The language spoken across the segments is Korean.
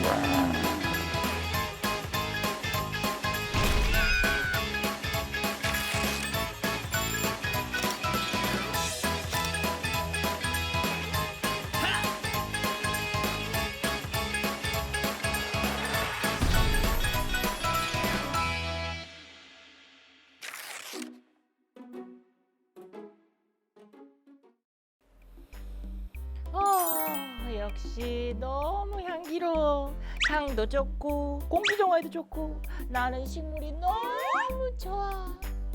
역시 너무 향기로워. 향도 좋고 공기 정화에도 좋고 나는 식물이 너무 좋아.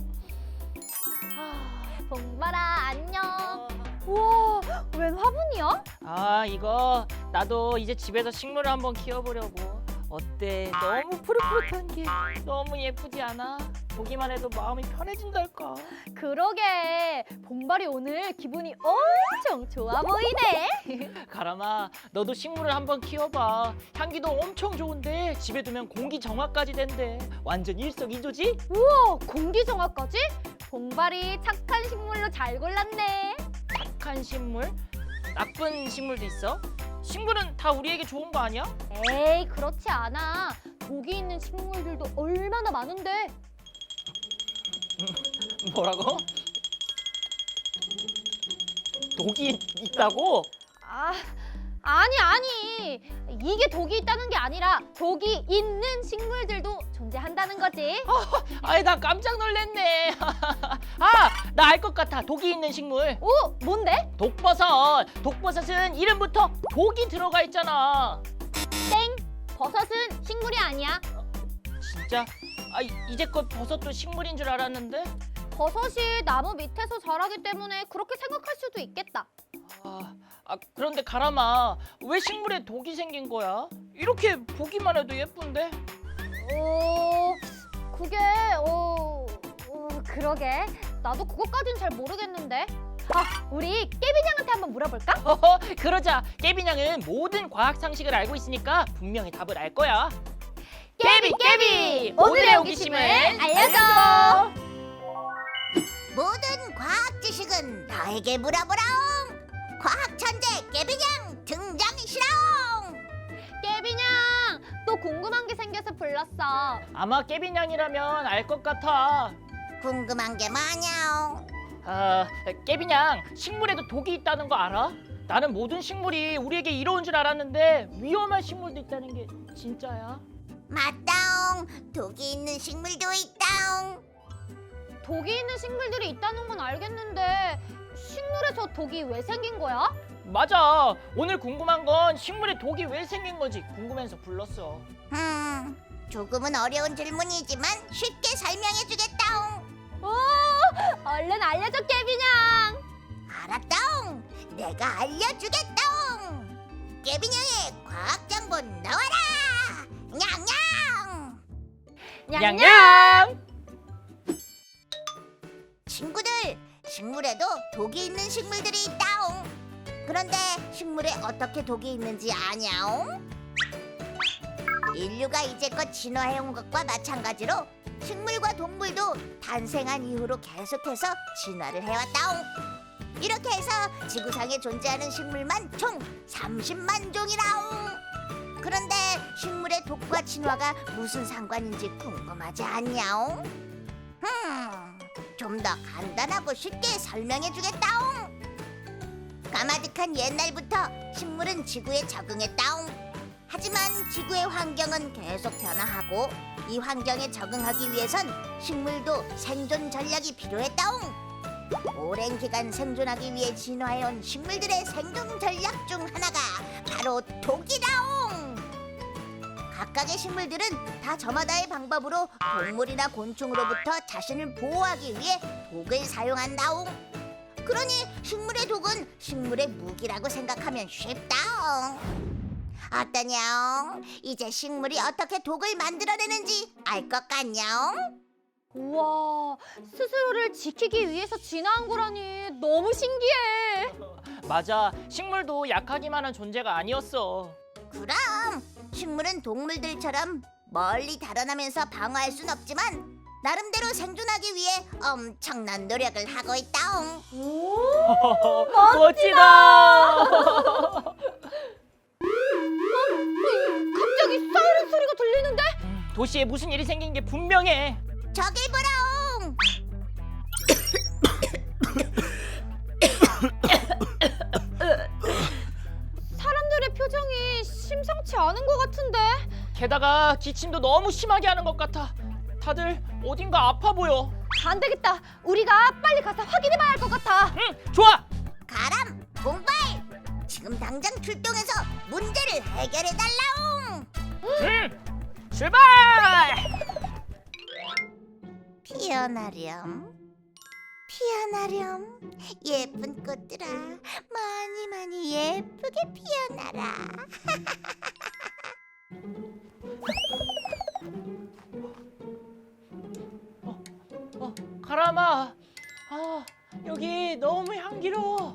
봉발아 안녕. 우와, 웬 화분이야? 이거 나도 이제 집에서 식물을 한번 키워보려고. 어때? 너무 푸릇푸릇한 게 너무 예쁘지 않아? 보기만 해도 마음이 편해진달까. 그러게, 봉발이 오늘 기분이 엄청 좋아 보이네. 가람아, 너도 식물을 한번 키워봐. 향기도 엄청 좋은데 집에 두면 공기 정화까지 된대. 완전 일석이조지? 우와, 공기 정화까지? 봉발이 착한 식물로 잘 골랐네. 착한 식물? 나쁜 식물도 있어? 식물은 다 우리에게 좋은 거 아니야? 에이, 그렇지 않아. 독이 있는 식물들도 얼마나 많은데. 뭐라고? 독이 있다고? 아니. 이게 독이 있다는 게 아니라 독이 있는 식물들도 존재한다는 거지. 아이, 나 깜짝 놀랐네. 나 알 것 같아. 독이 있는 식물. 오, 뭔데? 독버섯. 독버섯은 이름부터 독이 들어가 있잖아. 땡! 버섯은 식물이 아니야. 진짜? 이제껏 버섯도 식물인 줄 알았는데? 버섯이 나무 밑에서 자라기 때문에 그렇게 생각할 수도 있겠다. 그런데 가람아, 왜 식물에 독이 생긴 거야? 이렇게 보기만 해도 예쁜데? 그러게. 나도 그것까진 잘 모르겠는데. 우리 깨비냥한테 한번 물어볼까? 그러자. 깨비냥은 모든 과학 상식을 알고 있으니까 분명히 답을 알 거야. 깨비! 오늘의 호기심을 알려줘! 모든 과학 지식은 너에게 물어보라옹. 과학 천재 깨비냥 등장시라옹. 깨비냥! 또 궁금한 게 생겨서 불렀어. 아마 깨비냥이라면 알 것 같아. 궁금한 게 뭐냐옹? 깨비냥, 식물에도 독이 있다는 거 알아? 나는 모든 식물이 우리에게 이로운 줄 알았는데 위험한 식물도 있다는 게 진짜야? 맞다옹. 독이 있는 식물도 있다옹. 독이 있는 식물들이 있다는 건 알겠는데 식물에서 독이 왜 생긴 거야? 맞아. 오늘 궁금한 건 식물에 독이 왜 생긴 건지 궁금해서 불렀어. 조금은 어려운 질문이지만 쉽게 설명해주겠다옹. 얼른 알려줘, 깨비냥! 알았다옹. 내가 알려주겠다옹. 깨비냥의 과학정보 나와라. 냥냥. 냥냥! 친구들, 식물에도 독이 있는 식물들이 있다옹. 그런데 식물에 어떻게 독이 있는지 아냐옹? 인류가 이제껏 진화해온 것과 마찬가지로 식물과 동물도 탄생한 이후로 계속해서 진화를 해왔다옹. 이렇게 해서 지구상에 존재하는 식물만 총 30만 종이라옹. 그런데 식물의 독과 진화가 무슨 상관인지 궁금하지 않냐옹? 좀 더 간단하고 쉽게 설명해주겠다옹. 까마득한 옛날부터 식물은 지구에 적응했다옹. 하지만 지구의 환경은 계속 변화하고 이 환경에 적응하기 위해선 식물도 생존 전략이 필요했다옹. 오랜 기간 생존하기 위해 진화해온 식물들의 생존 전략 중 하나가 바로 독이다옹. 각각의 식물들은 다 저마다의 방법으로 동물이나 곤충으로부터 자신을 보호하기 위해 독을 사용한다옹. 그러니 식물의 독은 식물의 무기라고 생각하면 쉽다옹. 어떠냐옹? 이제 식물이 어떻게 독을 만들어내는지 알 것 같냐옹? 우와, 스스로를 지키기 위해서 진화한 거라니 너무 신기해. 맞아. 식물도 약하기만 한 존재가 아니었어. 그럼 식물은 동물들처럼 멀리 달아나면서 방어할 순 없지만 나름대로 생존하기 위해 엄청난 노력을 하고 있다옹. 멋지다. 갑자기 도시에 무슨 일이 생긴 게 분명해. 저기 보라옹. 사람들의 표정이 심상치 않은 것 같은데. 게다가 기침도 너무 심하게 하는 것 같아. 다들 어딘가 아파 보여. 안 되겠다. 우리가 빨리 가서 확인해봐야 할 것 같아. 응, 좋아. 가람, 봉발. 지금 당장 출동해서 문제를 해결해 달라옹. 응, 출발. 피어나렴. 피어나렴. 예쁜 꽃들아, 많이 많이 예쁘게 피어나라. 가람아. 아, 여기 너무 향기로워.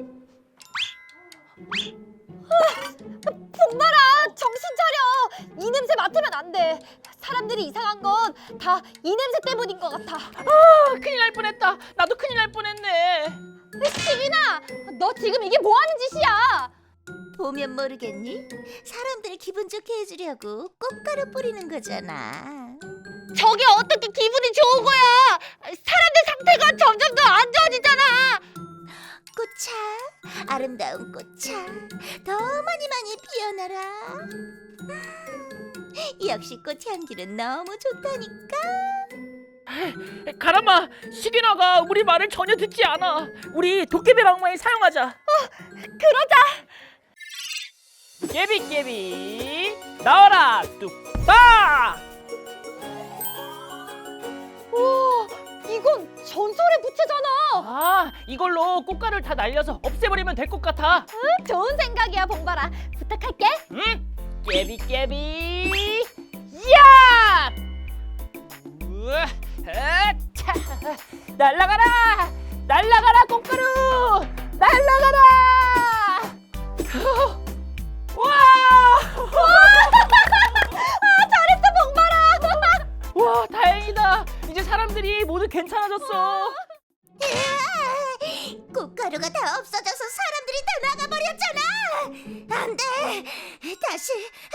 봉발아, 정신 차려. 이 냄새 맡으면 안 돼. 사람들이 이상한 건 다 이 냄새 때문인 것 같아. 아, 큰일 날 뻔했다. 나도 큰일 날 뻔했네. 시기나, 너 지금 이게 뭐 하는 짓이야? 보면 모르겠니? 사람들을 기분 좋게 해주려고 꽃가루 뿌리는 거잖아. 저게 어떻게 기분이 좋은 거야? 사람들 상태가 점점 더 안 좋아지잖아. 꽃차, 아름다운 꽃차, 더 많이 많이 피어나라. 역시 꽃향기는 너무 좋다니까. 가람아, 시기나가 우리 말을 전혀 듣지 않아. 우리 도깨비 방망이 사용하자. 그러자. 깨비깨비 나와라 뚝딱. 우와, 이건 전설의 부채잖아. 아, 이걸로 꽃가루를 다 날려서 없애버리면 될 것 같아. 좋은 생각이야, 봉발아. 부탁할게. 응? 깨비깨비 야! 우와, 차! 날라가라! 날라가라 꽃가루! 날라가라! 와! 잘했어, 봉발아. 와, 다행이다. 이제 사람들이 모두 괜찮아졌어. 꽃가루가 다 없어져서 사람들이 다 나가버렸잖아. 안 돼. 다시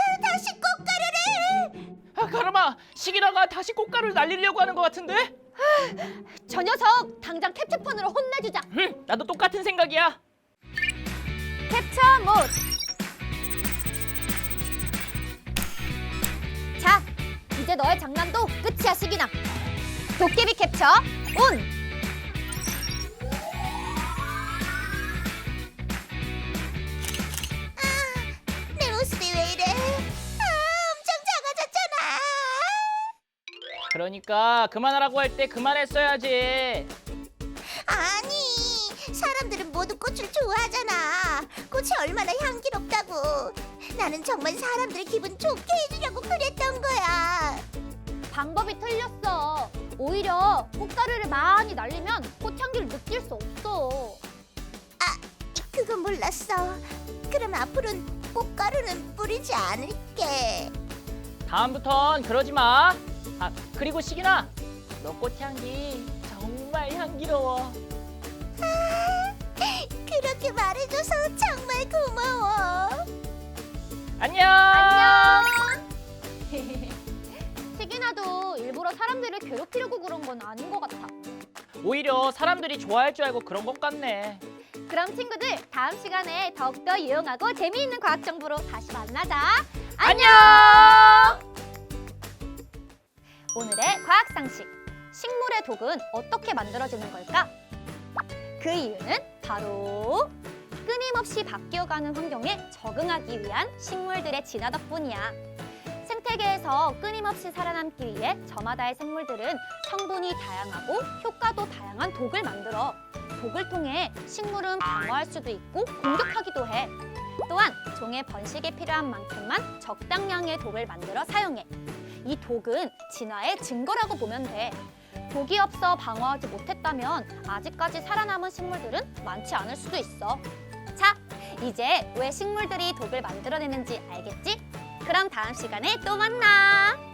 꽃가루를. 아, 가람아, 시기라가 다시 꽃가루를 날리려고 하는 것 같은데? 저 녀석 당장 캡처폰으로 혼내주자. 나도 똑같은 생각이야. 캡처 모드. 자, 이제 너의 장난도 끝이야, 시기나. 도깨비 캡처 온. 내 모습이 왜 이래? 엄청 작아졌잖아. 그러니까 그만하라고 할 때 그만했어야지. 아니, 사람들은 모두 꽃을 좋아하잖아. 꽃이 얼마나 향기롭다고. 나는 정말 사람들 기분 좋게 해주려고 그랬던 거야. 방법이 틀렸어. 오히려 꽃가루를 많이 날리면 꽃향기를 느낄 수 없어. 그건 몰랐어. 그럼 앞으로는 꽃가루는 뿌리지 않을게. 다음부턴 그러지 마. 아, 그리고 시기나, 너 꽃향기 정말 향기로워. 그렇게 말해줘서 정말 고마워. 안녕. 안녕. 시기나도 일부러 사람들을 괴롭히려고 그런 건 아닌 것 같아. 오히려 사람들이 좋아할 줄 알고 그런 것 같네. 그럼 친구들, 다음 시간에 더욱더 유용하고 재미있는 과학 정보로 다시 만나자. 안녕. 오늘의 과학 상식. 식물의 독은 어떻게 만들어지는 걸까? 그 이유는 바로 끊임없이 바뀌어가는 환경에 적응하기 위한 식물들의 진화 덕분이야. 생태계에서 끊임없이 살아남기 위해 저마다의 생물들은 성분이 다양하고 효과도 다양한 독을 만들어. 독을 통해 식물은 방어할 수도 있고 공격하기도 해. 또한 종의 번식에 필요한 만큼만 적당량의 독을 만들어 사용해. 이 독은 진화의 증거라고 보면 돼. 독이 없어 방어하지 못했다면 아직까지 살아남은 식물들은 많지 않을 수도 있어. 자, 이제 왜 식물들이 독을 만들어내는지 알겠지? 그럼 다음 시간에 또 만나!